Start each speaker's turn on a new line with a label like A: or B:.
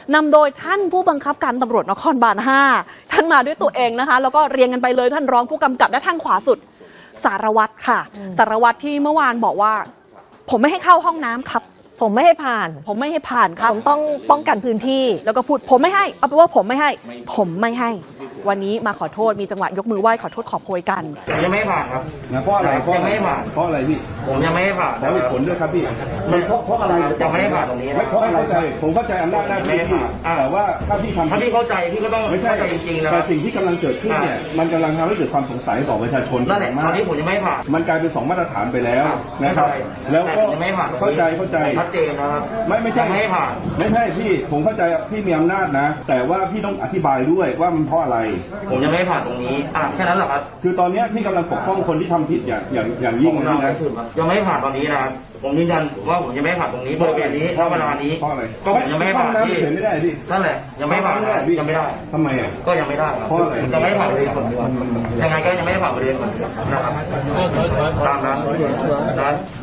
A: นำโดยท่านผู้บังคับการตำรวจนครบาล 5ท่านมาด้วยตัวเองนะคะแล้วก็เรียงกันไปเลยท่านรองผู้กำกับและทางขวาสุดสารวัตรค่ะสารวัตรที่เมื่อวานบอกว่าผมไม่ให้เข้าห้องน้ำครับ
B: ผมไม่ให้ผ่าน
A: ผมไม่ให้ผ่านครับ
B: ผมต้องป้องกันพื้นที่
A: แล้วก็พูดผมไม่ให้เอาเป็นว่าผมไม่ให้ผมไม่ให้วันนี้มาขอโทษมีจังหวะยกมือไหว้ขอโทษขอโพยกัน
C: ยังไม่ผ่านครับ
D: เพราะอะไร
C: ยังไม่ผ่าน
D: เพราะอะไรพี่
C: ผมยังไม่ผ่าน
D: ขอเหตุผลด้วยครับพี่เพราะอะไร
C: ยังไม่ผ่านตรงนี้
D: เพราะอะไรเข้าใจผมเข้าใจอำนาจหน้าที่พี่แต่ว่าถ้าพี่ทำ
C: ถ้าพี่เข้าใจพี่ก็ต้อง
D: ไม่ใช่
C: จริงๆนะ
D: แต่สิ่งที่กำลังเกิดขึ้นเนี่ยมันกำลังทำให้เกิดความสงสัยต่อประชาชน
C: นั่นแหละตอนนี้ผมยังไม่ผ่าน
D: มันกลายเป็น2มาตรฐานไปแล้วนะครับแล้วก็เข้าใจ
C: ชัดเจนนะครับ
D: ไม่ใช่
C: ไม่ผ่าน
D: ไม่ใช่พี่ผมเข้าใจพี่มีอำนาจนะแต่ว่าพี่ต้องอธิบายด้วยว่ามันเพราะอะไร
C: ผมยังไม่ผ่านตรงนี้แค่นั้นแหละครับ
D: คือตอนนี้พี่กำลังปกป้องคนที่ทำผิดอย่างยิ่งนะ
C: ยังไม่ผ่านตอนนี้นะครับผมยืนยันว่าผมยังไม่ผ่านตรงนี้บริเวณนี้เวลานี้
D: เพราะอะไร
C: ก็ผมยังไม่ผ่านที่
D: ไม่ได้พี่
C: นั่นแหละยังไม่ผ่านยังไม่ได้
D: ทำไมอ่ะ
C: ก็ยังไม่ได้
D: เพราะอะไร
C: ยังไม่ผ่านบริเวณส่วนยังไงก็ยังไม่ผ่านบริเวณส่วนนะครับตามนั้น